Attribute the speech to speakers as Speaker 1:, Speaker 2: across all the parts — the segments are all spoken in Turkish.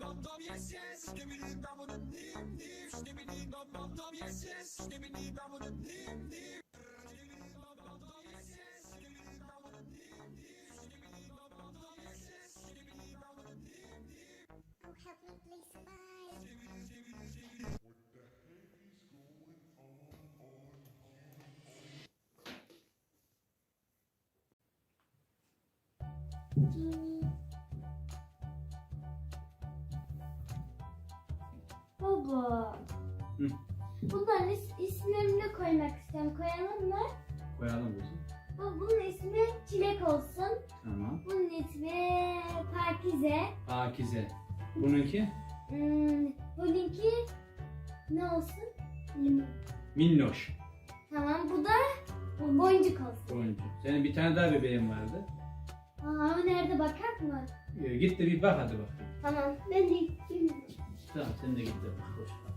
Speaker 1: Baba.
Speaker 2: Hı.
Speaker 1: Bunların isimlerini de koymak istiyorum. Koyalım mı?
Speaker 2: Koyalım kızım.
Speaker 1: Baba, bunun ismi Çilek olsun.
Speaker 2: Tamam.
Speaker 1: Bunun ismi Pakize.
Speaker 2: Pakize. Bununki?
Speaker 1: Bununki ne olsun? Limon.
Speaker 2: Minnoş.
Speaker 1: Tamam, bu da boncuk olsun.
Speaker 2: Oyuncu. Senin bir tane daha bebeğin vardı.
Speaker 1: Aa, o nerede, bakar mı?
Speaker 2: Git de bir bak hadi bak.
Speaker 1: Tamam, ben de gideyim.
Speaker 2: Tamam sen de git de bak. Boş bak.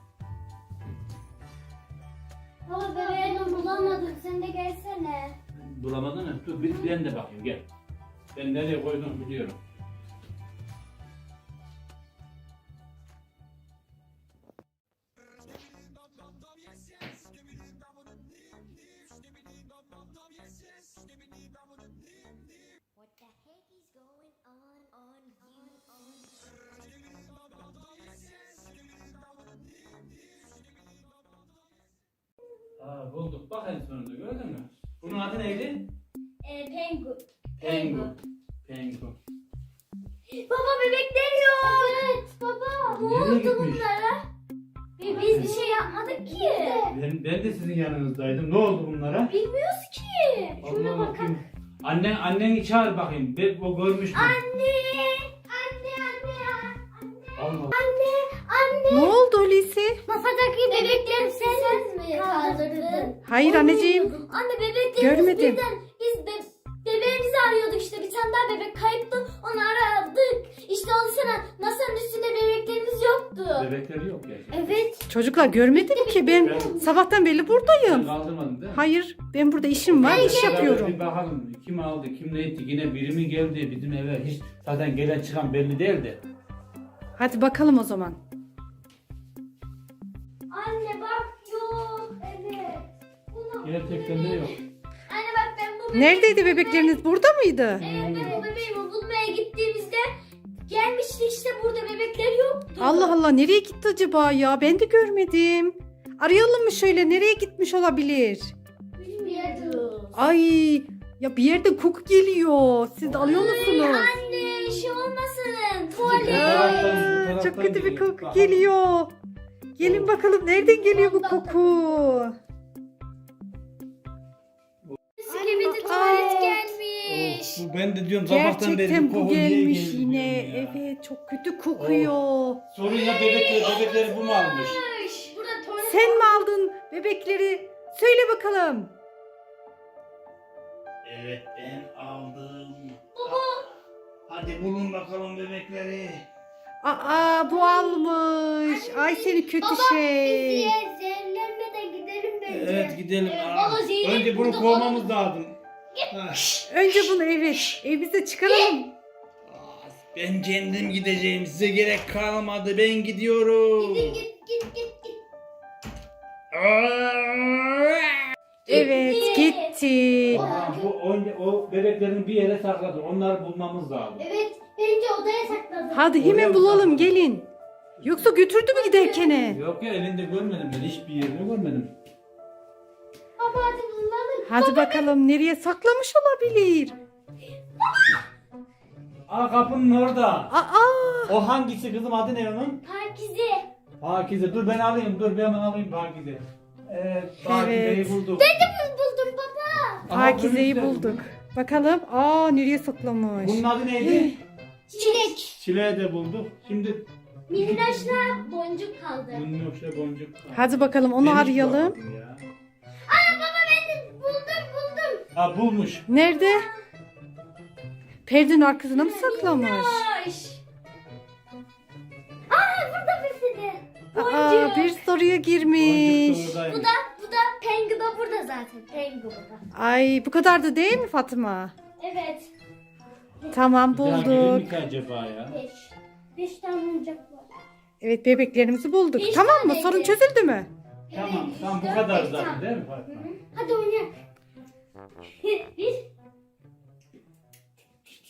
Speaker 1: Baba, bebeğimi bulamadım, sen de gelsene.
Speaker 2: Bulamadın mı? Dur ben de bakayım gel. Ben nereye koyduğumu biliyorum.
Speaker 3: What the heck is going on
Speaker 2: Aa bulduk. Bak en sonunda gördün mü? Bunun adı neydi?
Speaker 1: Pengu.
Speaker 2: Pengu. Pengu.
Speaker 1: Baba, bebekler yok. Evet baba, ne
Speaker 2: Nereye
Speaker 1: oldu
Speaker 2: gitmiş?
Speaker 1: bunlara? Biz bir şey yapmadık ki.
Speaker 2: Ben de sizin yanınızdaydım. Ne oldu bunlara?
Speaker 1: Bilmiyoruz ki. Şuna
Speaker 2: Allah
Speaker 1: bakalım.
Speaker 2: bakayım. Anneni çağır bakayım. O görmüş mü?
Speaker 1: Anne.
Speaker 2: Allah.
Speaker 4: Ne oldu Hulusi?
Speaker 1: Masadaki bebekleri sen mi kaldırdın?
Speaker 4: Hayır anneciğim.
Speaker 1: Anne, bebeklerimiz
Speaker 4: Görmedim.
Speaker 1: birden bebeğimizi arıyorduk işte. Bir tane daha bebek kayıptı. Onu aradık. İşte onu sana masanın üstünde bebeklerimiz yoktu.
Speaker 2: Bebekleri yok ya.
Speaker 1: Evet.
Speaker 4: Çocuklar görmedim ki ben sabahtan beri
Speaker 2: Sen
Speaker 4: buradayım.
Speaker 2: kaldırmadın değil mi?
Speaker 4: Hayır ben burada işim var, iş yapıyorum.
Speaker 2: Bir bakalım kim aldı kim ne etti yine biri mi geldi bizim eve hiç zaten gelen çıkan belli değildi.
Speaker 4: Hadi bakalım o zaman.
Speaker 1: Anne bak, yok. Evet. Bunu
Speaker 2: Gerçekten de yok.
Speaker 1: Anne bak, ben bu
Speaker 4: Neredeydi bebekleriniz? Burada mıydı?
Speaker 1: Evet, ben o bebeğimi bulmaya gittiğimizde gelmişti işte, burada bebekler yoktu.
Speaker 4: Allah Allah, nereye gitti acaba ya? Ben de görmedim. Arayalım mı şöyle, nereye gitmiş olabilir?
Speaker 1: Bilmiyoruz.
Speaker 4: Ay ya, bir yerde koku geliyor. Siz de alıyor musunuz?
Speaker 1: Anne, şey olmasın. Tuvalet.
Speaker 4: Aa, çok kötü bir koku geliyor. Gelin bakalım, nereden geliyor bu koku?
Speaker 1: Skibidi
Speaker 4: Aa.
Speaker 1: tuvalet gelmiş.
Speaker 2: Ben de diyorum sabahtan beri
Speaker 4: Gerçekten bu
Speaker 2: koku niye
Speaker 4: gelmiş
Speaker 2: geldi
Speaker 4: yine.
Speaker 2: diyorum ya.
Speaker 4: Evet, çok kötü kokuyor.
Speaker 2: Sorun ya bebekleri bu mu almış?
Speaker 1: Burada tuvalet.
Speaker 4: Sen mi aldın bebekleri? Söyle bakalım.
Speaker 2: Evet ben aldım. Baba. Hadi bulun bakalım bebekleri.
Speaker 4: Aa, bu almış. Ay seni kötü şey.
Speaker 1: Zehirlenmeden gidelim bence.
Speaker 2: Evet gidelim.
Speaker 1: Evet,
Speaker 2: Aa,
Speaker 1: baba, zehir
Speaker 2: önce bunu
Speaker 1: burada
Speaker 2: kovmamız lazım. Ha.
Speaker 4: Önce bunu evimize çıkaralım.
Speaker 2: Aa, ben kendim gideceğim. Size gerek kalmadı. Ben gidiyorum.
Speaker 1: Git.
Speaker 4: Evet, gitti.
Speaker 2: Aa, o bebeklerin bir yere sakladı. Onları bulmamız lazım.
Speaker 1: Evet, bence odaya sakladım.
Speaker 4: Hadi hemen bulalım, gelin. Yoksa götürdü mü giderken?
Speaker 2: Yok ya elinde görmedim ben. Hiçbir yerini görmedim.
Speaker 1: Baba, hadi bulalım.
Speaker 4: Hadi bakalım, nereye saklamış olabilir?
Speaker 2: Aa kapının orada.
Speaker 4: Aa,
Speaker 2: O hangisi kızım adı ne onun?
Speaker 1: Pakize.
Speaker 2: Pakize. Dur ben alayım. Dur ben alayım Pakize. Evet Pakize'yi
Speaker 4: Evet.
Speaker 2: bulduk.
Speaker 1: Buldum baba.
Speaker 2: Aha,
Speaker 4: Pakize'yi
Speaker 2: bunun
Speaker 4: bulduk. Bakalım. Aa, nereye saklamış?
Speaker 2: Bunun adı neydi?
Speaker 1: Çilek.
Speaker 2: Çileği de bulduk. Şimdi
Speaker 1: Minnoşla boncuk kaldı.
Speaker 2: minnoşla boncuk.
Speaker 4: Hadi bakalım, onu
Speaker 2: Ben hiç
Speaker 4: arayalım.
Speaker 2: bulamadım ya.
Speaker 1: Baba, ben de buldum.
Speaker 2: Ha bulmuş.
Speaker 4: Nerede? Perdenin arkasına mı saklamış?
Speaker 1: Minnoş. Aa, burada bir de.
Speaker 4: Aa, bir soruya girmiş.
Speaker 2: Boncuk da oradaymış.
Speaker 1: Bu da Pengu da burada zaten. Pengu burada.
Speaker 4: Ay, bu kadar da değil mi Fatma?
Speaker 1: Evet.
Speaker 4: Tamam,
Speaker 2: Bir daha gelir mi
Speaker 4: bulduk.
Speaker 2: ki acaba ya?
Speaker 1: 5. 5 tane oyuncak var.
Speaker 4: Evet bebeklerimizi bulduk.
Speaker 1: Beş
Speaker 4: Tamam mı?
Speaker 1: taneydi.
Speaker 4: Sorun çözüldü mü?
Speaker 2: Tamam
Speaker 1: Evet,
Speaker 2: tamam bu
Speaker 1: dört,
Speaker 2: kadar
Speaker 1: beş
Speaker 2: zaten
Speaker 1: tane.
Speaker 2: değil mi Fatma?
Speaker 1: Hadi oynayalım. 1,